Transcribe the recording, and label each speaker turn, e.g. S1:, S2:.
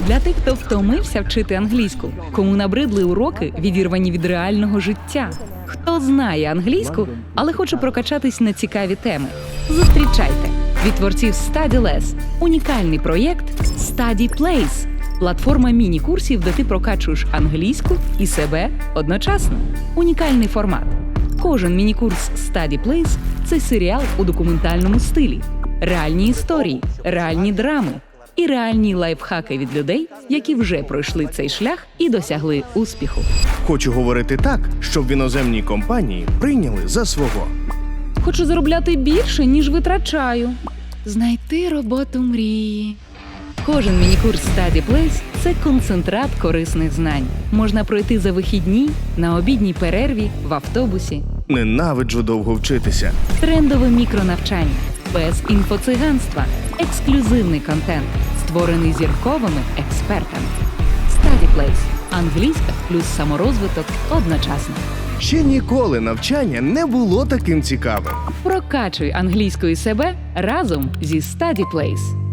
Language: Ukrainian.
S1: Для тих, хто втомився вчити англійську, кому набридли уроки, відірвані від реального життя. Хто знає англійську, але хоче прокачатись на цікаві теми. Зустрічайте! Від творців StudyLess – унікальний проєкт StudyPlace – платформа міні-курсів, де ти прокачуєш англійську і себе одночасно. Унікальний формат. Кожен міні-курс StudyPlace – це серіал у документальному стилі. Реальні історії, реальні драми і реальні лайфхаки від людей, які вже пройшли цей шлях і досягли успіху.
S2: Хочу говорити так, щоб в іноземній компанії прийняли за свого.
S1: Хочу заробляти більше, ніж витрачаю. Знайти роботу мрії. Кожен міні-курс StudyPlace – це концентрат корисних знань. Можна пройти за вихідні, на обідній перерві, в автобусі.
S2: Ненавиджу довго вчитися.
S1: Трендове мікронавчання, без інфоциганства, ексклюзивний контент, створений зірковими експертами. StudyPlace – англійська плюс саморозвиток одночасно.
S2: Ще ніколи навчання не було таким цікавим.
S1: Прокачуй англійською себе разом зі StudyPlace.